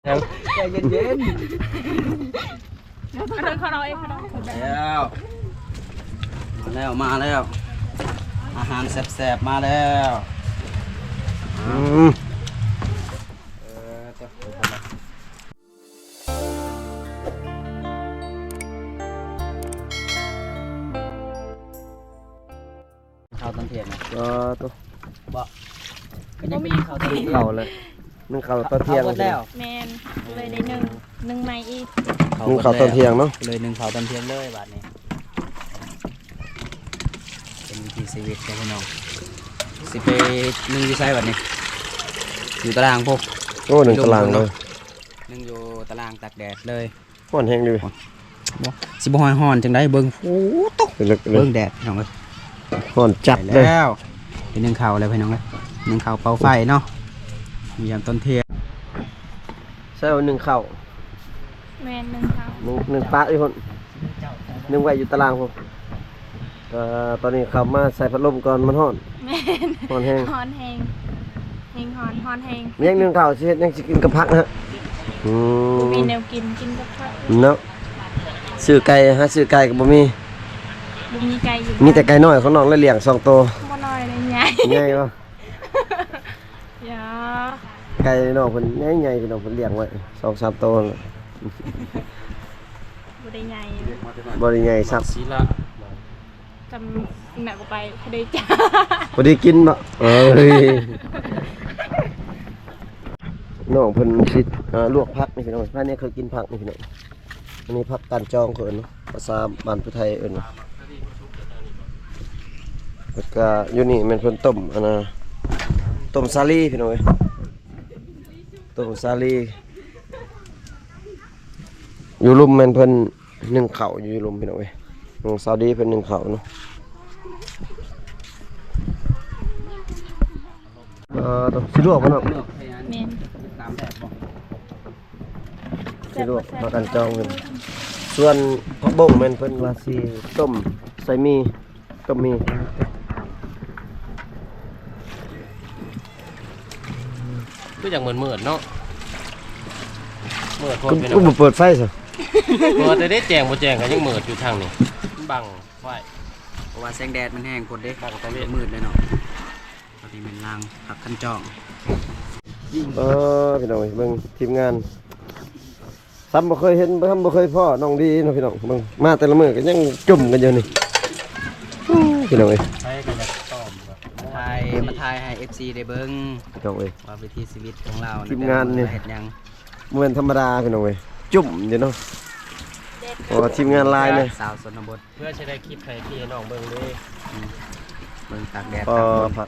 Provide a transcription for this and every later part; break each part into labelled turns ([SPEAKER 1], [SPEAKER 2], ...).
[SPEAKER 1] ใจเย็น
[SPEAKER 2] เขาเราเอง
[SPEAKER 1] แล้วมาแล้วอาหารแซ่บๆมาแล้วข้าวต้นเทียนนะ
[SPEAKER 3] ตัว
[SPEAKER 1] บ่ก็ยังมีข้าวต้นเทียน
[SPEAKER 3] เข่าเลยนึ่งเข่าตอนเที่ยง
[SPEAKER 1] แล้ว
[SPEAKER 2] แมนเลยได้หนึ่งไม้อีก
[SPEAKER 3] นึ่งเข่าตอนเที่ยงเนาะ
[SPEAKER 1] เลย1ข้าวต้นเทียนเลยบาดนี้เป็นวิถีชีวิตของพี่น้องสิไปนึ่งอยู่ไสบัดนี้อยู่ตารางพวก
[SPEAKER 3] โอ้หนึ่งตารางเลย
[SPEAKER 1] นึ่งอยู่ตารางตากแดดเลย
[SPEAKER 3] ห่อนแห้งดี
[SPEAKER 1] สิบ่ฮ้อนจังได๋เบิ่งโอ้ตก
[SPEAKER 3] ลึกเลย
[SPEAKER 1] เบิ่งแดดพี่น้องเอ้ย
[SPEAKER 3] ห่อนจัดเลย
[SPEAKER 1] แล้วเป็นนึ่งข้าวแล้วพี่น้องเอ้ยนึ่งข้าวเป่าไฟเนาะมียามต้นเทียน
[SPEAKER 3] ใช่ว่าหนึ่งเข่า
[SPEAKER 2] แมนหนึ่งเขา
[SPEAKER 3] หนึ่งปะอีกคนหนึ่งไว้อยู่ตารางผมตอนนี้ขับมาใส่พัดลมก่อนมันห่อน
[SPEAKER 2] แมน
[SPEAKER 3] ห่อนแห้ง
[SPEAKER 2] ฮอนแหงฮอนแหง
[SPEAKER 3] ยังหนึ่งเข่าสิยังสิกินกับพักนะฮะ
[SPEAKER 2] มีแนวกินกับข้าว
[SPEAKER 3] เนาะซื้อไก่ฮะซื้อไก่กับบ่มี
[SPEAKER 2] บุมีไก่อยู่
[SPEAKER 3] มีแต่ไก่น้อยของน้องเลยเลี้ยง2ตัว
[SPEAKER 2] บ่น้อยเลยใหญ่
[SPEAKER 3] ใหญ่บ่
[SPEAKER 2] ยา
[SPEAKER 3] ไก่น้องเพิ่นใหญ่ๆพี่น้องเพิ่นเลี้ยงไว้2-3ตัวนั่นแหละ
[SPEAKER 2] บ่ได้ใหญ่
[SPEAKER 3] บ่ได้ใหญ่ซัก
[SPEAKER 1] สีละ
[SPEAKER 2] จำแม่ก็ไปบ่ได้จ้า
[SPEAKER 3] บ่ได้กินบ่เอ้ยน้องเพิ่นสิลวกผักนี่พี่น้องบ้านนี้เคยกินผักนี่พี่น้องอันนี้ผักการจองเขาเอิ้นเนาะภาษาบ้านผู้ไทยเอิ้นว่าแล้วก็อยู่นี่แม่นเพิ่นต้มอันน่ะต้มสาลีพี่น้องเอ้ยต้มสาลีอยู่ลุมแม่นเพิ่นนึ่งข้าวอยู่ลุมพี่น้องเอ้ยน้องสาวดีเพิ่นนึ่งข้าวเนาะต้องสิลวกบ่เนาะ
[SPEAKER 2] แมน
[SPEAKER 1] ตามแบบบ่
[SPEAKER 3] สิลวกผักการจองเพิ่นส่วนผักบงแม่นเพิ่นว่าสิต้มใส่หมี่ต้มหมี่
[SPEAKER 4] ก็อย่างเหมือนเนาะเหมือนพอ
[SPEAKER 3] ก็
[SPEAKER 4] เป็น
[SPEAKER 3] บ่เปิดไฟซะ
[SPEAKER 4] เปิดแต่ได้แจงบ่แจงกันยังเหมือนอยู่ทางนี้บังไฟ
[SPEAKER 1] เพราะว่าแสงแดดมันแห้งกดเด้
[SPEAKER 4] บังตะเวน
[SPEAKER 1] มืดเลยเนาะตอนนี้เป็นรางผักคันจอง
[SPEAKER 3] พี่น้องเบิ่งทีมงานซ้ำบ่เคยเห็นซ้ำบ่เคยพ่อน้องดีเนาะพี่น้องเบิ่งมาแต่ละมื้อก็ยังจุ่มกันอยู่นี่พี่น้องเอ้ย
[SPEAKER 4] ใช้กันจะต้อม
[SPEAKER 1] มาถ่ายให้ FC ได้เบิ่ง
[SPEAKER 3] พี่น้องเอ้ย
[SPEAKER 1] ว่าวิถีชีวิตของเรา
[SPEAKER 3] ทีมงานเนี่ย
[SPEAKER 1] เฮ็ดหยัง
[SPEAKER 3] บ่แม่นธรรมดาพี่น้องเอ้ยจุ่มอยู่เนาะเพราะว่าทีมงานหลายเลย
[SPEAKER 1] สาวชนบท
[SPEAKER 4] เพื่อจะได้คลิปให้พี่น้องเบิ่งด้วย
[SPEAKER 1] เบิ่งตากแดด
[SPEAKER 3] พอ
[SPEAKER 1] ตากฝน
[SPEAKER 3] ผัก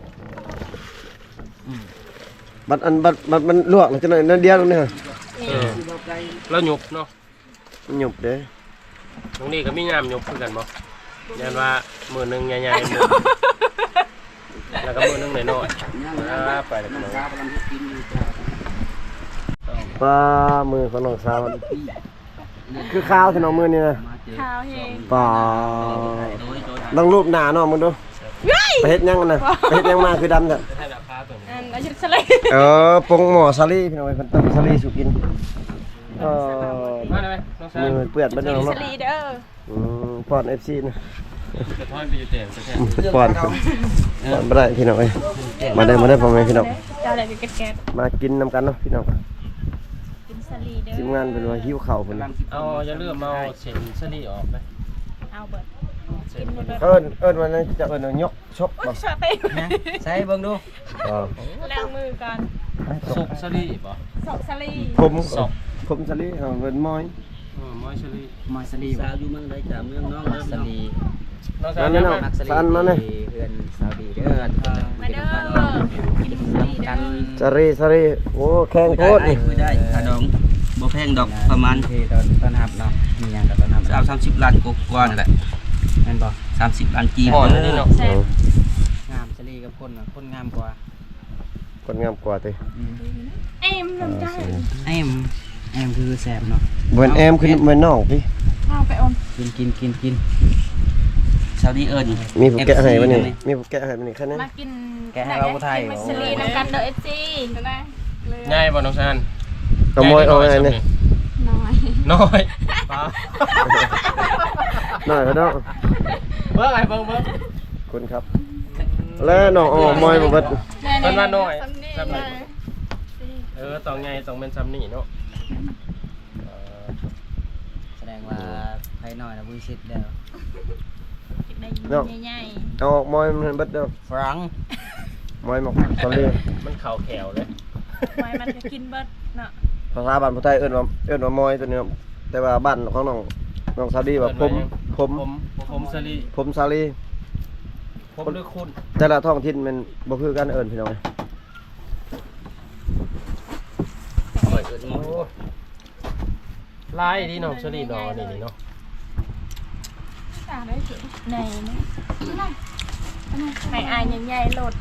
[SPEAKER 3] บัดมันลวกแล้วจังได๋นั่นเดียวนี่ฮะ
[SPEAKER 4] แล้วหยุบเนาะ
[SPEAKER 3] มันหยุบเด้
[SPEAKER 4] ตรงนี้ก็มีงามหยุบคือกันบ่ยันว่ามือหนึงใหญ่ๆมือแล้วก็มือหนึงน้อยๆไปแล้วกัน
[SPEAKER 3] ปลามือของน้องสาวมันคือข้าวที่น้องมือนี่นะ
[SPEAKER 2] ข้าวแหง
[SPEAKER 3] ปลาลองรูปหน้าน้องมึงดูไปเฮ็ดหยังกันนะไปเฮ็ดหยังมาคือดำจ้ะ
[SPEAKER 4] ให้ราคาตัวนี้
[SPEAKER 2] อันอายุเท่าไหร่
[SPEAKER 3] ปรุงหม้อซาลี่พี่น้องเอ้ยเพิ่นต้มซาลี่สุกิน
[SPEAKER 4] มาได้ไหมน้องชาย
[SPEAKER 3] มือเปื้อนบ่ได้น้อง
[SPEAKER 2] ส
[SPEAKER 3] เนาะ
[SPEAKER 2] ลีเด้อ
[SPEAKER 3] ป้อน FC นะ
[SPEAKER 4] จะทอดไปอยู่แจงซะแท้
[SPEAKER 3] ป้อนบ่ได้พี่น้องเอ้ยมาได้พ่อแม่พี่น้อง
[SPEAKER 2] เจ้าอะไรแก๊ส
[SPEAKER 3] มากินนำกันเนาะพี่น้อง
[SPEAKER 2] กินสลีเด้อ
[SPEAKER 3] ทีมงานเป็นว่าหิวข้าวเพิ่น
[SPEAKER 4] เอาอย่าลืมเอาเส้นสลีออกไป
[SPEAKER 2] เอาเบิด
[SPEAKER 4] เส้
[SPEAKER 2] กิ
[SPEAKER 4] น
[SPEAKER 2] นเบิด
[SPEAKER 3] เอิ้นว่านั่นจะเอิ้นว่ายกชกบ่
[SPEAKER 2] ชาเต้
[SPEAKER 1] นะใส่เบิ่งดู
[SPEAKER 2] ล้างมือก่อน
[SPEAKER 4] สุกสลีบ่
[SPEAKER 2] สอกสลี
[SPEAKER 3] ผมซาลี่เพิ่นม้อย
[SPEAKER 4] มอยสลี
[SPEAKER 1] มอยสลีสาวอยู่เมืองใดจ้ะเมืองน้องสลี
[SPEAKER 4] น้องชาย
[SPEAKER 3] นั่นน่ะ
[SPEAKER 1] มักสลี
[SPEAKER 3] สันมาเนี่ย
[SPEAKER 1] เพื่อนสาวดีเด้อ
[SPEAKER 2] มาเด้อกินสลีเด้อ
[SPEAKER 3] ซาลี่โอ้แข็งโคตรนี่
[SPEAKER 1] คุยได้ค่าดองบ่แพงดอกประมาณที่ตอนหับเนาะมีหยังกับตอนหับ30ล้านกว่านั่นแหละแม่นบ่30ล้านกีบ
[SPEAKER 4] ห่อนนี่เนาะ
[SPEAKER 2] แซ่บ
[SPEAKER 1] งามสลีกับคนน่ะคนงามกว่า
[SPEAKER 3] คนงามกว่าติ
[SPEAKER 2] เอ็มน้ำใจ
[SPEAKER 1] แอมคือแซ่บเนาะ
[SPEAKER 3] เหมือนแอมคือเหมือนน้องพี่
[SPEAKER 2] ข้าวไปอม
[SPEAKER 1] กินสาวดีเอิ้น
[SPEAKER 3] มีผู้แกะให้บ่นี่มีผู้แกะให้บ่นี่แค่นั้น
[SPEAKER 2] มากิน
[SPEAKER 1] แกะให้เราบ่ไทย
[SPEAKER 2] กินสลีน้ำกันเด้อเอฟซีได้
[SPEAKER 4] ง่ายบ่น้องชาย
[SPEAKER 3] เอามอยเอาไงนี่
[SPEAKER 2] น้อย
[SPEAKER 4] น้อยปลา
[SPEAKER 3] น้อยเขาดอก
[SPEAKER 4] เบิ่งไอ้เบิ่ง
[SPEAKER 3] คุณครับ แล้วน้องเอามอยบ่เบิด
[SPEAKER 4] เพิ่นว่าน้อย
[SPEAKER 2] ซ้ำนี่
[SPEAKER 4] ต้องไงต้องเป็นซ้ำนี่เนาะ
[SPEAKER 1] แสดงว่าไผน้อยนะบุญสิทธิ์เด้อ
[SPEAKER 2] ได้ใหญ่
[SPEAKER 3] เอาออกมอยมันเบิดเด้อ
[SPEAKER 1] ฝรั่ง
[SPEAKER 3] มอยหมกตอนนี้
[SPEAKER 4] มันเข่าแขวเลย
[SPEAKER 2] ๆไว้มันก็กินเบิดเนาะ
[SPEAKER 3] ภาษาบ้านผู้ไทยเอิ้นว่ามอยตัวนี้ครับแต่ว่าบ้านของน้องซาดีว่าผมซาลี
[SPEAKER 4] ผมด้วยคุณ
[SPEAKER 3] แต่ละท้องถิ่นมันบ่คือกันเอิ้นพี่น้อง
[SPEAKER 4] ลายที่น้องสลีนอนี่เนาะ
[SPEAKER 2] ได้สิในมั้ยให้อายใหญ่ๆโลด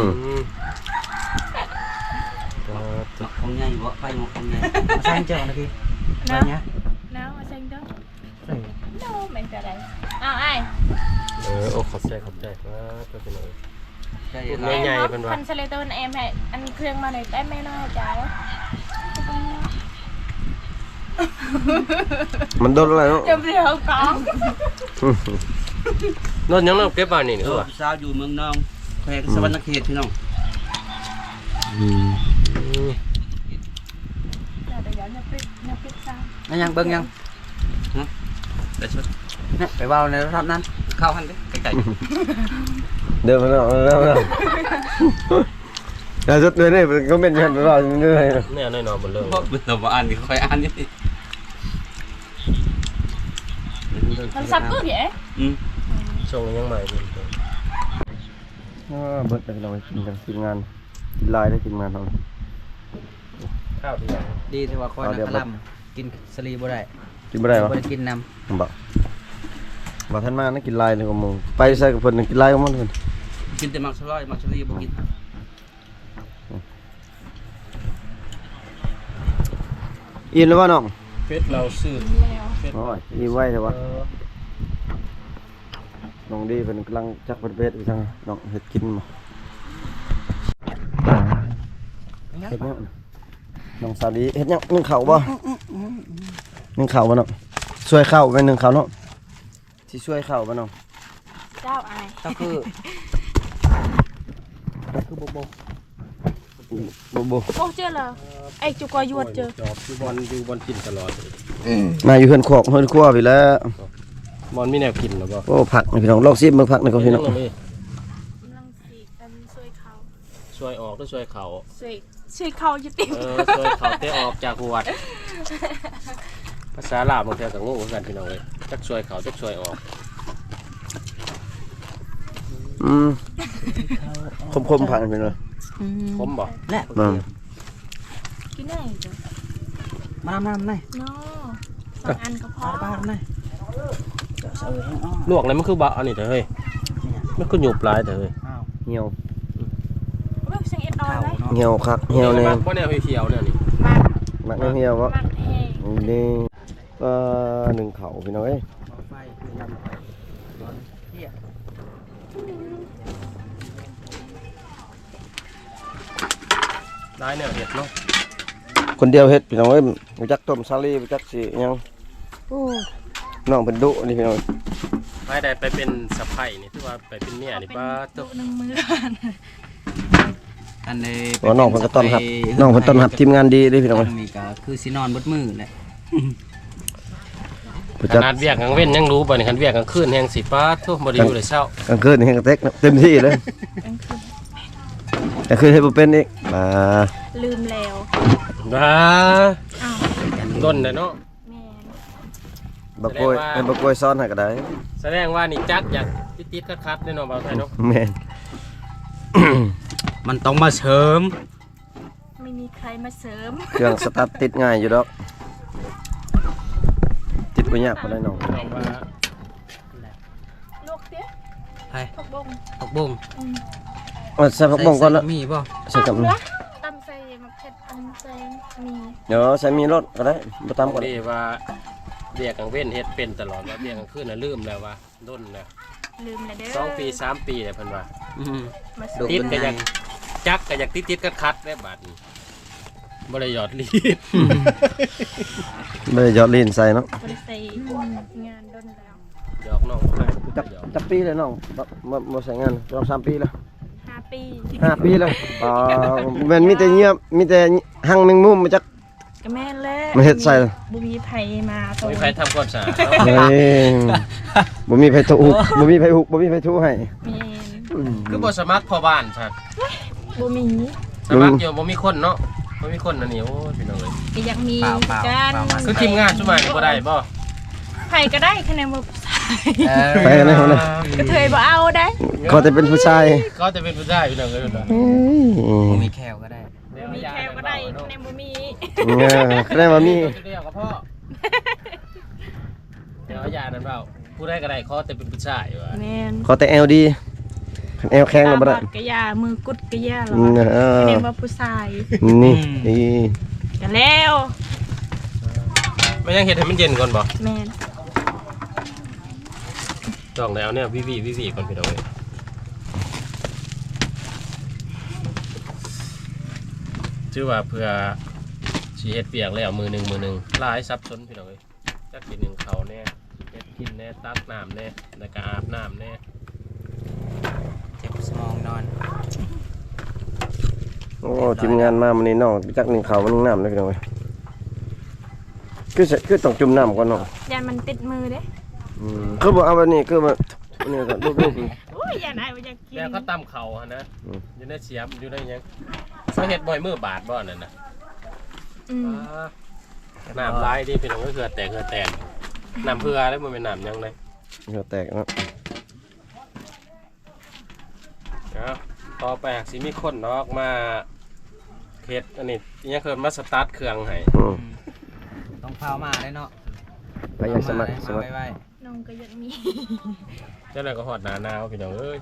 [SPEAKER 1] ของใหญ่บ่ไปหมดของใหญ่สร้างเจ้านะพี่ไปเนี้ย
[SPEAKER 2] แล้วมาเซ็งเด้อโน้แม่นจะได้อ้าวอ้าย
[SPEAKER 4] โอ้ขอบใจว่าตัวเป็นอะไร
[SPEAKER 1] ใช่
[SPEAKER 4] ใหญ่ๆเพิ่นว่า
[SPEAKER 2] คันเซเลโตนแอมให้อันเครื่องมาหน่อยได้แม่น้อยจ้า
[SPEAKER 3] มันโดนอะไรเนาะ
[SPEAKER 2] เดี๋ยวเดี๋ยวกอง
[SPEAKER 4] นอนยังน้องเก็บบ้านนี่คือว่า
[SPEAKER 1] สาวอยู่เมืองนองแขวงสวรรณเขตพี่น้อง
[SPEAKER 2] เดี๋ยวปิดซะ
[SPEAKER 1] นั่นยังเบิ่งยังนะเดี๋ยวชุดเนี่ยไปเว้าในรอบนั้นเข้าหันดิไกล
[SPEAKER 3] เดินมาแล้วแล้วสุดเลยนี่ก็เป็นยันไปว่าเรื่อย
[SPEAKER 4] เนี่ยน้อยๆหมดเลย
[SPEAKER 1] ๆเพราะเราบ่อ่านนี่ค่อยอ่านนี่
[SPEAKER 2] มันซับกูเดี๋ยว
[SPEAKER 4] ช่วงยังใหม่เพิ่น
[SPEAKER 3] เบิดไปเรากินกันทีมงานกินลายได้ทีมงานเรา
[SPEAKER 4] ข้าวดีอย่าง
[SPEAKER 1] ดีที่ว่าคอยนักลำกินสลีบ่ได้
[SPEAKER 3] กินไม่ได้วะ
[SPEAKER 1] บ่ได้กินน
[SPEAKER 3] บอกท่านมานะกินลายเลยกับมึงไปใส่กับเพิ่นกินลายกับมันเพิ่น
[SPEAKER 1] ำกินแต่มักสลอยมักสลีบ่กิน
[SPEAKER 3] อินแล้วว่าน้อง
[SPEAKER 4] เฟซเราซื้อ
[SPEAKER 2] แล้ว
[SPEAKER 4] เฟซ
[SPEAKER 3] โอ้ยอิ่มไว้เถอะวะน้องดีเพิ่นกำลังจักเพิ่นเพชรอีกทางน้องเฮ็ดกินบ่เฮ็ดหยังน้องสาวดีเฮ็ดหยังนึ่งข้าวบ่นึ่งข้าวบ่น้องช่วยข้าวไปนึ่งข้าวเนาะสิช่วยข้าวบ่น้อง
[SPEAKER 2] เจ้าอาย
[SPEAKER 1] ก็คือ
[SPEAKER 3] บ่
[SPEAKER 2] โอ้เจอแล้วไอ้จุกอยวดเจอ
[SPEAKER 4] จอบอยู่บอลกินตลอด
[SPEAKER 3] มาอยู่เฮือนคอกเฮือนครัวพี่แล้ว
[SPEAKER 4] บอลมีแนวกินหรือเปล่า
[SPEAKER 3] โอ้ผักนี่พี่น้องลองซิมเบิ่งผักนี่ก่อนพี่น้อง
[SPEAKER 2] กำลังสีกันช่วยเขา
[SPEAKER 4] ช่วยออกหรือช่วยเขา
[SPEAKER 2] ช่วยเขาอยู่ติ
[SPEAKER 4] ช่วยเขาเตะออกจากหัวดภาษาลาวบางทีก็งงเหมือนกันพี่น้องเลยจักช่วยเขาจักช่วยออก
[SPEAKER 3] คมๆผักนี่พี่น้อง
[SPEAKER 4] ผมบอก
[SPEAKER 1] แหละ
[SPEAKER 2] กินได้จ้ะ
[SPEAKER 1] มาน้ำๆหน่อย
[SPEAKER 2] เนาะสองอันก็พอ
[SPEAKER 1] บ้านๆหน่อยเออให้อ้อ
[SPEAKER 4] ลวกเลยมันคือบะอันนี้เถอะเฮ้ยมันคือหยุบลายเถอะเฮ้ย
[SPEAKER 1] อ้าว
[SPEAKER 3] เหี่ยว
[SPEAKER 2] เว้ยเสียงเอ็ดออยเลย
[SPEAKER 3] เหี่ยวคักเหี่ยวแน่
[SPEAKER 4] เพราะแนวเขียวๆเนี่ยนี่
[SPEAKER 2] มาก
[SPEAKER 3] มักเหี่ยวบ่
[SPEAKER 2] มากแห้ง
[SPEAKER 3] นี่หนึ่งเขาพี่น้องเอ้ย
[SPEAKER 1] ไฟคือลำร้อนเหี้ย
[SPEAKER 4] ได้แนวเห็ดเนาะ
[SPEAKER 3] คนเดียวเฮ็ดพี่น้องเอ้ยบ่จักต้มซาลีบ่จักสิหยังน้องเพิ่นดุนี่พี่น้อง
[SPEAKER 4] ไม่ได้ไปเป็นสะใภ้นี่คือว่าไปเป็นเมียนี่ป้า
[SPEAKER 2] ตุ
[SPEAKER 4] ตุ๊ก
[SPEAKER 2] หนึ่งมือ
[SPEAKER 1] อันนี้
[SPEAKER 3] ว่าน้องเพิ่นก็ต้อนรับน้องเพิ่นต้อนรับทีมงานดีเด้พี่น้อง
[SPEAKER 1] อั
[SPEAKER 3] เอ้ย
[SPEAKER 1] นนี้ก็คือสินอนบดมือแหละ
[SPEAKER 3] บ่
[SPEAKER 4] ข
[SPEAKER 3] จัก
[SPEAKER 4] นาดเวียกกลางเว้นยังรู้ป่ะนี่คันเวียกกลางคืนแห่งสิป้าทุกบ่ได้อยู่เลยเช้าก
[SPEAKER 3] ลางคืนนี่ก็เต็มที่เลยก็คือเฮ็ดบ่เป็นอีก
[SPEAKER 2] ลืมแล้ว
[SPEAKER 4] ว้า
[SPEAKER 2] อ้าว
[SPEAKER 4] ต้นเลยเนาะ
[SPEAKER 2] แม่
[SPEAKER 3] บ่กล้วยให้บ่กล้วยซ้อนให้ก็ได้
[SPEAKER 4] แสดงว่านี่จักอยากติดๆคัดๆแน่นอนบ่าวไทยเนาะ
[SPEAKER 3] แม่น
[SPEAKER 1] มันต้องมาเสริม
[SPEAKER 2] ไม่มีใครมาเสริม
[SPEAKER 3] เครื่องสตาร์ทติดง่ายอยู่ดอกติดบ่ยากปานใดน้อง
[SPEAKER 4] น้องว่า
[SPEAKER 2] ลวกเตี้ย
[SPEAKER 1] ให้
[SPEAKER 2] ผักบง
[SPEAKER 1] ผักบุ้ง
[SPEAKER 3] เอาใส่ผักบ่งก่อนละ
[SPEAKER 1] มีบ่
[SPEAKER 3] ใส่กับ
[SPEAKER 2] ตำใส่มะเขือตำใส่มี
[SPEAKER 3] เดี๋ยวใส่มีรสก็ได้บ่ตามก็ได้
[SPEAKER 4] ดีว่าเวียกกลางเว้นเฮ็ดเป็นตลอดว่าเวียกกลางคืนน่ะลืมแล้วว่าด้นแล้ว
[SPEAKER 2] ลืมแล้วเด้อ
[SPEAKER 4] 2 ปี3 ปีแล้วเพิ่นว่า
[SPEAKER 2] มา
[SPEAKER 1] ดู
[SPEAKER 2] เสริม
[SPEAKER 4] ติดก็อยากจักก็อยากติดๆคัดๆได้บาดนี้บ่ได้หยอดลีด
[SPEAKER 3] ไม่ได้หยอดลิ้นใส่เนาะ
[SPEAKER 2] บริษัทงานดนแล้ว
[SPEAKER 4] หยอกน้องให้
[SPEAKER 3] จักปีเลยน้องมาใส่งานรอบ3 ปีแล้ว
[SPEAKER 2] 5 ปี
[SPEAKER 3] 5 ปีแล้วแม่นมีแต่เงียบมีแต่หั่งแมงมุมมาจัก
[SPEAKER 2] ก็แม่นแล้ว
[SPEAKER 3] มาเฮ็ดใส่
[SPEAKER 2] บ่มีไผมาโต
[SPEAKER 4] มีใครทำความสะอาด
[SPEAKER 3] เฮ้ยบ่มีไผถูกบ่มีไผหุกบ่มีไผถูให้
[SPEAKER 2] แม่น
[SPEAKER 4] คือบ่สมัครพ่อบ้านซั่น
[SPEAKER 2] บ่มี
[SPEAKER 4] สมัครอยู่บ่มีคนเนาะบ่มีคนอันนี้โอ้ยพี่น้องเอ้ย
[SPEAKER 2] ก็อยากมี
[SPEAKER 1] เปล่า
[SPEAKER 2] กัน
[SPEAKER 4] คือทีมงานชุมานี่บ่ได้บ่
[SPEAKER 2] ไผก็ได้คะแนนบ่ใส่
[SPEAKER 3] ไปกันเลยนะ
[SPEAKER 2] กระเทยบ่เอาได้
[SPEAKER 3] ก็จะเป็นผู้ชาย
[SPEAKER 4] เขาจะเป็นผู้ชายพี่น้องเอ้ยเนาะ
[SPEAKER 1] บ่มีแควก็ได้
[SPEAKER 2] มีแค่ก็ได้คะแนนบ่มี
[SPEAKER 3] คะแนนว่ามี
[SPEAKER 4] เดียวกับพ่อเดี๋ยวอย่านั้นเปล่าผู้ได้ก็ได้เขาแต่เป็นผู้ชายว่ะ
[SPEAKER 2] แม่น
[SPEAKER 3] ขอแต่แอลดีคันแอลแข็งก็บ่ได้
[SPEAKER 2] ตาบอดก็ยามือกุดก็ยาหรอ
[SPEAKER 3] เออ
[SPEAKER 2] คะแนนว่าผู้ชาย
[SPEAKER 3] นี่นี่
[SPEAKER 2] ก็แล้ว
[SPEAKER 4] ไม่ยังเห็ดให้มันเย็นก่อนบ่
[SPEAKER 2] แม่น
[SPEAKER 4] ต้องแล้วเนี่ยวิวีก่อนพี่น้องเอ้ยชื่อว่าเพื่อสิเฮ็ดเปียกแล้วมือหนึ่งหลายซับซ้อนพี่น้องเอ้ยจักกินหนึ่งเขาแน่เฮ็ดกินแน่ตักน้ำแน่แล้วก็อาบน้ำแน่
[SPEAKER 1] เจ็บสมองนอน
[SPEAKER 3] โอ้ทีมงานมามื้อนี้น้องจักหนึ่งข้าวนึงน้ำเลยพี่น้องเอ้ยคือต้องจุ่มน้ำก่อนน้อง
[SPEAKER 2] ยันมันติดมือเด้
[SPEAKER 3] คือบ่เอาแบบนี้คือมาอันนี้ก็รูป
[SPEAKER 2] โอ้ยยันไอ้บ่อยากกิน
[SPEAKER 4] แล้วก็ตำเขาฮะนะ
[SPEAKER 3] อืม
[SPEAKER 4] อยู่ในเสียมอยู่ในหยังเขาเฮ็ดบ่อยมือบาดบ่นั่นน่ะ
[SPEAKER 2] อืม
[SPEAKER 4] น้ำลายที่พี่น้องก็เกลือแตกน้ำเพื่อแล้วมันเป็นน้ำยังไง
[SPEAKER 3] เหงื่อแตกเนาะ
[SPEAKER 4] ต่อไปหากสิมีคนนอกมาเฮ็ดอันนี้ยังเคยมาสตาร์ทเครื่องให้
[SPEAKER 1] ต้องเฝ้ามาได้เนาะ
[SPEAKER 3] ไปยังสมัคร
[SPEAKER 1] ไว้
[SPEAKER 2] น้องก็อยากมี
[SPEAKER 4] เจ้าหน้าก็หอดหนาหนาวพี่น้องเอ้ย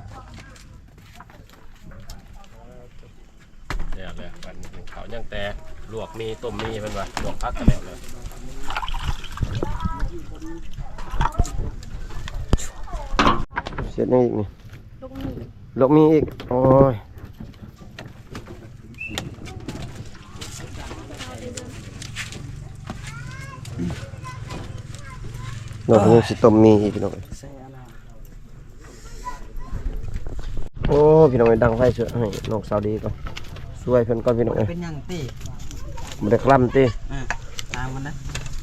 [SPEAKER 4] เดี๋ยวเลยวันนี้เขายังแต่ลวกมีต้มมีเป็นว่าลวกพักกันแล้วเลย
[SPEAKER 3] เสียดนี่อีกนี่
[SPEAKER 2] ลูกมี
[SPEAKER 3] ลกมีอีกโอ้ยเราเพิ่งสิต้มมีอีกพี่น้องเอ้ย
[SPEAKER 1] ใส่อะไร
[SPEAKER 3] โอ้พี่น้องเอ้ยดังไฟเสือให้น้องสาวดีก่อนช่วยเพิ่นก่อนพี่น้องเอ้ย
[SPEAKER 1] เป็นหยังติ
[SPEAKER 3] บ่ได้คลำติ
[SPEAKER 1] ตามมันนะ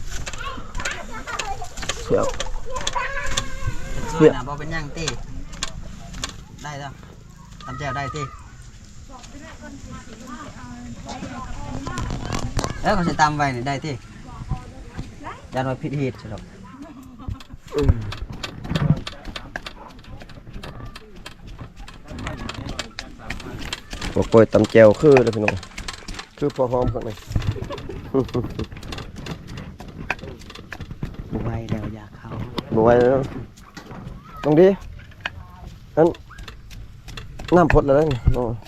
[SPEAKER 3] เสียว
[SPEAKER 1] ช่วยนะบ่เป็นหยังติได้จ้ะทำแจ่วได้ติแล้วเขาสิตามไว้นี่ได้ติยันว่าผิดเหตุใช่หรอก
[SPEAKER 3] บ่ปล่อยตำแจวคือเด้อพี่น้องคือพอหอมข้างใน
[SPEAKER 1] บ่ไหวแล้วอยากเข้า
[SPEAKER 3] บ่ไหวแล้วตรงดีนั่นน้ำพดแล้วนี่น้อง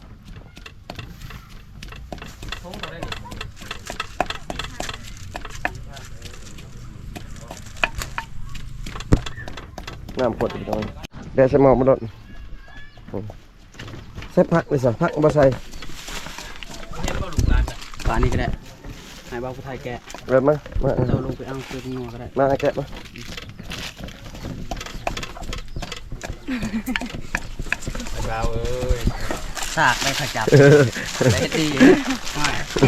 [SPEAKER 3] น้ำพดพี่น้องเดี๋ยวใส่หม้อมาโดดใส่ผักเลยสิผักบ่ใส่
[SPEAKER 4] เฮ็ดก็ลูกหลานน่ะ
[SPEAKER 1] ป่านนี้ก็ได้ให้บ่าวผู้ไทยแกะ
[SPEAKER 3] เริ่มมา
[SPEAKER 1] เราลงไปเอาเกลืองัวก็ได้
[SPEAKER 3] มาแกะมา
[SPEAKER 4] เราเอ้ย
[SPEAKER 1] ซากได้ขจับได้ตีไม่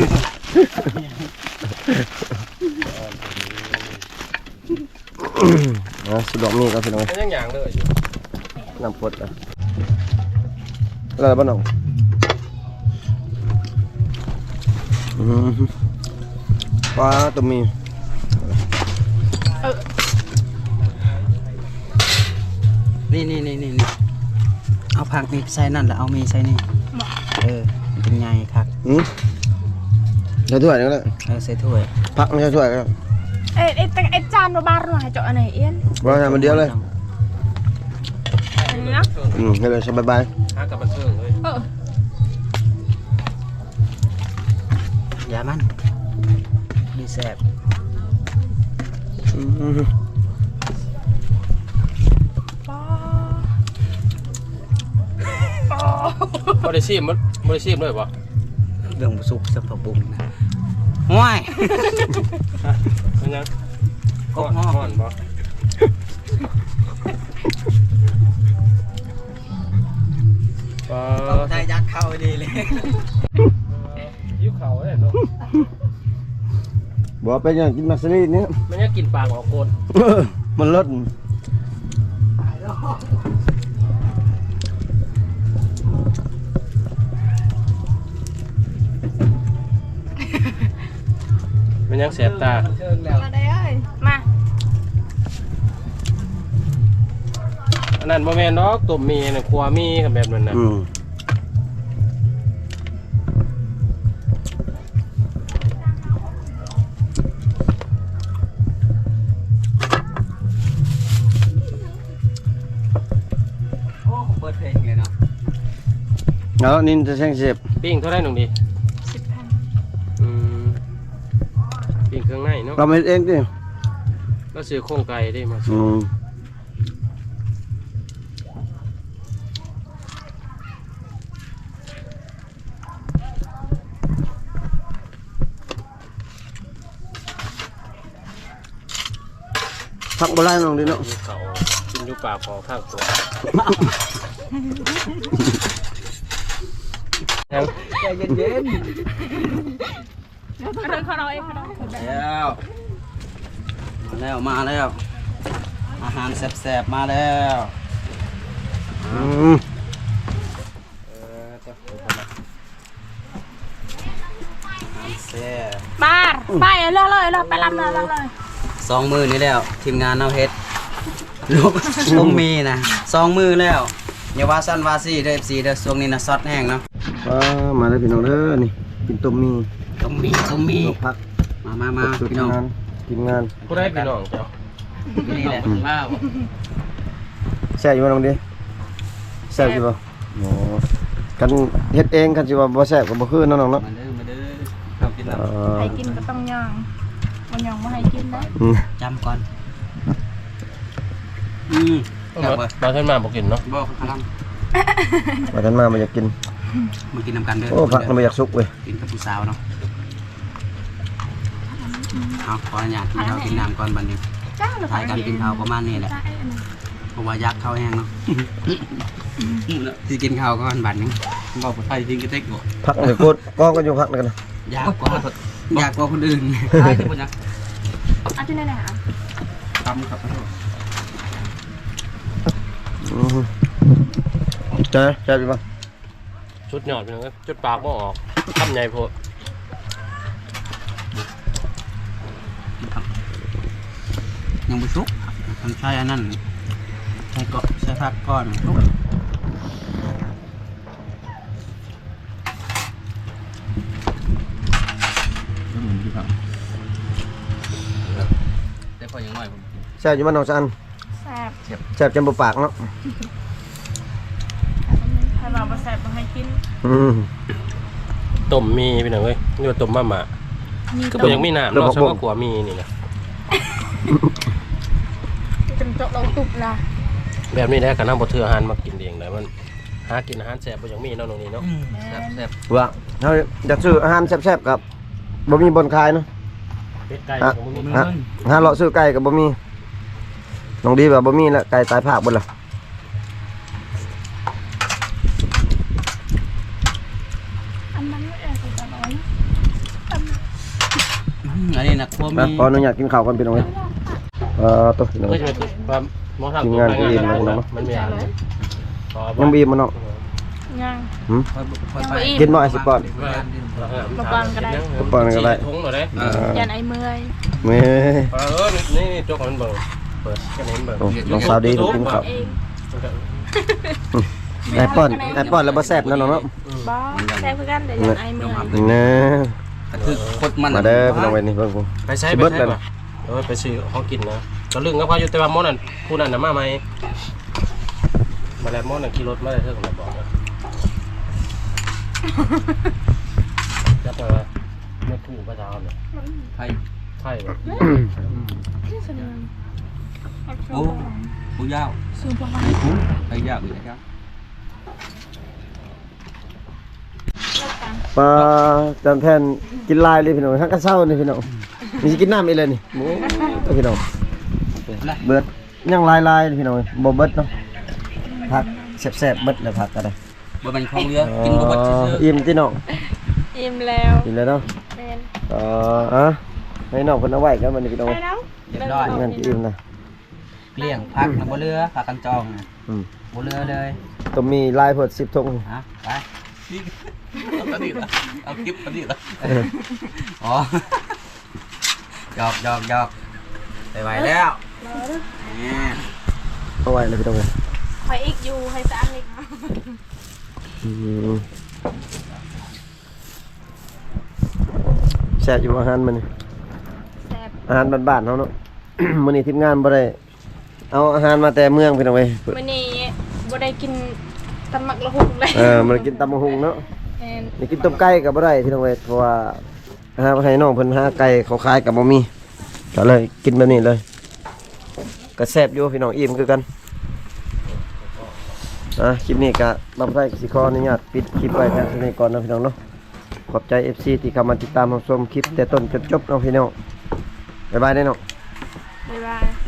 [SPEAKER 3] สุดดอกมีก็พี่น้อง
[SPEAKER 4] มันยังอย่างเลย
[SPEAKER 3] น้ำพดอ่ะอะไรบ้างน้องปลาตัวมี
[SPEAKER 1] นี่เอาผักนี่ใส่นั่นแหละเอามีใส่นี่มันเป็นไงครับ
[SPEAKER 3] ใส่ถ้วยนี่ก็ได้
[SPEAKER 1] ใส่ถ้วย
[SPEAKER 3] ผักไม่ใช่ถ้วยก็ได้
[SPEAKER 2] ไอ้จานบ่บาดหน่อยเจาะอันไหนเอี้ยน
[SPEAKER 3] ว่าทำมันเดียวเลย
[SPEAKER 2] อันนี้นะ
[SPEAKER 3] ให้เลยสบาย
[SPEAKER 4] หากับบันเทิงเลย
[SPEAKER 1] อย่ามันดีแซ่บ
[SPEAKER 2] ป้า
[SPEAKER 4] บริซีมด้วยป่ะ
[SPEAKER 1] เรื่องสุกสับปะบุงนะห้วย
[SPEAKER 4] เป็นยัง
[SPEAKER 1] กบฮ้อ
[SPEAKER 4] อนบ่ป
[SPEAKER 1] ใจยักเข้าดีเลย
[SPEAKER 4] ยิ้วเข่าเลยเนาะ
[SPEAKER 3] บอกไปอย่างกินมักสลีเนี่ย
[SPEAKER 4] มันยังกินปากออกโคน
[SPEAKER 3] มันลด
[SPEAKER 4] มันยังแสบตา
[SPEAKER 2] มาได้เอ้ยมา
[SPEAKER 4] อันนั้นบ่แม่นดอกตุ่มมีน่ะครัวมีกับแบบนั้นน่ะ
[SPEAKER 1] โอ้เปิดเพลงเลยเนาะ
[SPEAKER 3] แล้วนินจะแช่งเสียบ
[SPEAKER 4] ปิ้งเท่าไหร่หนุ่มดี
[SPEAKER 2] 10,000
[SPEAKER 4] อืมปิ้งเครื่องในเนาะ
[SPEAKER 3] เราไม่เองดิ
[SPEAKER 4] แล้วซื้อโครงไก่ได้มา
[SPEAKER 3] พักโบราณลองดิเนาะ
[SPEAKER 4] ยิ้วเข่ากินอยู่ปากของข้างตัวยัง
[SPEAKER 1] ใจเย็น
[SPEAKER 2] เอาเดินเข้าเราเองเข้าเรา
[SPEAKER 1] ๆแล้วมาแล้วอาหารแซ่บๆมาแล้ว อาหารแซ่บ
[SPEAKER 2] มาไปเรื่อยๆไปลำเลย
[SPEAKER 1] 2 มื้อนี้แล้วทีมงานเอาเฮ็ดลูกผมมีนะ2 มื้อแล้วอย่าว่าสั้นว่าซี่เด้อ FC เด้อช่วงนี้นะซอสแห้งเนาะ
[SPEAKER 3] มาเลยพี่น้องเด้อนี่กินต้มมี
[SPEAKER 1] ต้องมี
[SPEAKER 3] ลวกผัก
[SPEAKER 1] มา
[SPEAKER 3] สุด
[SPEAKER 1] พี่น้อง
[SPEAKER 3] งานทีมงาน
[SPEAKER 4] ผู้ได้พี่น้องเจ้า
[SPEAKER 1] นี่แหละว้าว
[SPEAKER 3] แซ่บอยู่บ่น้องดิแซ่บอยู่บ่โอ้กันเฮ็ดเองกันสิว่าบ่แซ่บก็บ่คือเนาะน้องเนาะ
[SPEAKER 1] มาเด้อครับกินน้
[SPEAKER 2] ใครกินก็ต้องย่างมันย่างไม่ให้กินนะ
[SPEAKER 1] ำจำก่อนจับ
[SPEAKER 4] มาเท่านมาบอกกินเนาะ
[SPEAKER 1] บอกพลัง
[SPEAKER 3] ว่าท่านมาอยากกิน
[SPEAKER 1] มากินน้ำกันเด้อ
[SPEAKER 3] โอ้ผักมันบ่อยากสุกเว้ย
[SPEAKER 1] กินกับผู้สาวเนาะเอาขออนุญาตกินข้าวกินน้ำก่อนบัดนี้
[SPEAKER 2] จ้าหรือ
[SPEAKER 1] ถ่ายกันกินข้าวประมาณนี้แหละเพราะว่ายักข้าวแห้งเนาะที่กินข้าวก่อนบัดนี้บอกผู้ไทยทิ้งกระเทกบ่
[SPEAKER 3] ผักนี่โคตรกองกันอยู่ผักนั่นกันนะ
[SPEAKER 1] ยากกว่าคนอื่นใช่ที่ผมอยาก
[SPEAKER 2] เอาที่ไหนไหนคะ
[SPEAKER 1] ทำครับ
[SPEAKER 3] ใช่ใช่พี่บ่
[SPEAKER 4] ชุดหยอดพี่น้องจุดปากบ่ออกคำใหญ่โพด
[SPEAKER 1] ยังไม่ชุกทำใช่อันนั้นใช่ก็ใช่ผักก้อนชุกแต่พอยังน้อยผม
[SPEAKER 3] แซ่บอยู่บ้านน้องซัน
[SPEAKER 2] แซ่บ
[SPEAKER 3] แซ่บจนบ่ปากเนาะ
[SPEAKER 2] ให้เรามาแซ่บมาให้กิน
[SPEAKER 4] ต้มมีพี่น้องเอ้ยนี่ว่าต้มมาม่าก็บ่ยังมีน้ำเนาะใช่ว่าขัวมีนี่นะ
[SPEAKER 2] จนจบเราตุบละ
[SPEAKER 4] แบบนี้แหละกันน้ำบ่เทื่ออาหารมากินเองได้มันหากินอาหารแซ่บบ่ยังมีเนาะตรงนี้เนาะ
[SPEAKER 1] แซ่บ
[SPEAKER 3] ว่าเฮาอยากซื้ออาหารแซ่บๆกับบ่มีบ่อนขายเนาะ
[SPEAKER 4] เป็ดไก่ก็บ่มี
[SPEAKER 3] หาเลาะซื้อไก่ก็บ่มีน้องดีว่าบ่มีแล้วไก่ตายภาคเบิดล่ะ
[SPEAKER 2] อันนั้นไม่เออคือตะน้อย
[SPEAKER 1] อันนี้นะครัวมี
[SPEAKER 3] ขออนุญาตกินข้าวก่อนพี่น้องเอ้ยตัวพี่น้อง
[SPEAKER 4] ก็
[SPEAKER 3] เอ้ย
[SPEAKER 4] จะเป็นความมองทาง
[SPEAKER 3] ทีมงานก็อิ่มแล้วเนาะ
[SPEAKER 4] มันมีอะไร
[SPEAKER 3] ยังบีบมันเนาะ
[SPEAKER 2] ย่าง
[SPEAKER 3] กินบ่ไอ้สิปอน
[SPEAKER 2] มาปอนก็ได้
[SPEAKER 3] ปอนก็ได้
[SPEAKER 4] ถุงหน่อยได้
[SPEAKER 2] ยันไอ้เมื่อย
[SPEAKER 3] แม่
[SPEAKER 4] นี่จกมันเบิ่งเปิดแค่นี้เบิ่ง
[SPEAKER 3] โอ้น้องสาวดีต้องกินข้าว
[SPEAKER 2] เอง
[SPEAKER 3] ไอ้ป้อนแล้วบ่แซ่บนะน้องเนาะ
[SPEAKER 2] บ้าแซ่บคือกันเดี๋ยวยันไอ้เมื่อย
[SPEAKER 3] นะ
[SPEAKER 1] คือคดมัน
[SPEAKER 3] มาเด้อพี่น้องเว้ยนี่เบิ่งกู
[SPEAKER 4] ไปใช้ไปใช้ป่ะไปซื้อของกินนะก็ลึงก็พออยู่แต่ว่ามอนั่นผู้นั้นน่ะมาใหม่มาแล้วมอนั่นขี่รถมาได้เท่ากับบอกนะจับมาไม่ถูกประจานเนี่ย
[SPEAKER 1] ไทย
[SPEAKER 4] ไพ่แบบ
[SPEAKER 1] โอ้ผู้ยาว
[SPEAKER 2] สูงประมาณ
[SPEAKER 1] ไทยยาวอยู่นะครับ
[SPEAKER 2] รถไฟ
[SPEAKER 3] ปลาจานแทนกินลายเลยพี่น้องทั้งกระเซ้านี่พี่น้องมีสิกินน้ำอีกเลยนี่โอ้พี่น้องเบิดยังลายพี่น้องบ่เบิดเนาะผักแซ่บๆเบิดเลยผักก็ได้
[SPEAKER 1] บ่เป็นของเรือกินบ่เบิดซื่อ
[SPEAKER 3] อิ่มที่น้อง
[SPEAKER 2] อิ่มแล้ว
[SPEAKER 3] อิ่มเลยเนาะ
[SPEAKER 2] แม่น
[SPEAKER 3] ให้น้องเพิ่นเอาไว้กันมันนี่พี่น้อง
[SPEAKER 2] ไปแล้ว
[SPEAKER 1] เรียบร้อย
[SPEAKER 3] งั้นสิอิ่มนะ
[SPEAKER 1] เกลี้ยงพักนะบ่เรือพักกันจองนะ
[SPEAKER 3] อืม
[SPEAKER 1] บ่เรือเลย
[SPEAKER 3] ต้องมีลายเพิ่น10ธง
[SPEAKER 1] ฮะไปเอาดิละเอาคลิปเอาดิละอ๋อหยอกไปไวแล้วเนี่ย
[SPEAKER 3] เอาไว้เลยพี่น้อง
[SPEAKER 2] คอยอีกอยู่ให้สร้างอีก
[SPEAKER 3] แซ่บอยู่อาหารมันนี่
[SPEAKER 2] แซ่บ
[SPEAKER 3] อาหารบ้านๆเฮาเนาะ มื้อนี้ทีมงานบ่ได้เอาอาหารมาแต่เมืองพี่น้องเว้ย
[SPEAKER 2] วันนี้บ่ได้กินตำหมักละหุงเลย
[SPEAKER 3] มันกินตำบักหุ่งเนาะ
[SPEAKER 2] แม่น
[SPEAKER 3] นี่กินต้มไก่ก็บ่ได้พี่น้องเว้ยเพราะว่าหาให้น้องเพิ่นหาไก่เขาขายก็บ่มีก็เลยกินแบบนี้เลยก็แซ่บอยู่พี่น้องอิ่มคือกันคลิปนี้ก็บ่ได้สิขออนุญาตปิดคลิปไว้แค่นี้ก่อนนะพี่น้องเนาะขอบใจ FC ที่เข้ามาติดตามรับชมคลิปแต่ต้นจนจบเนาะพี่น้องบ๊ายบายเด้อเนาะ
[SPEAKER 2] บ๊ายบาย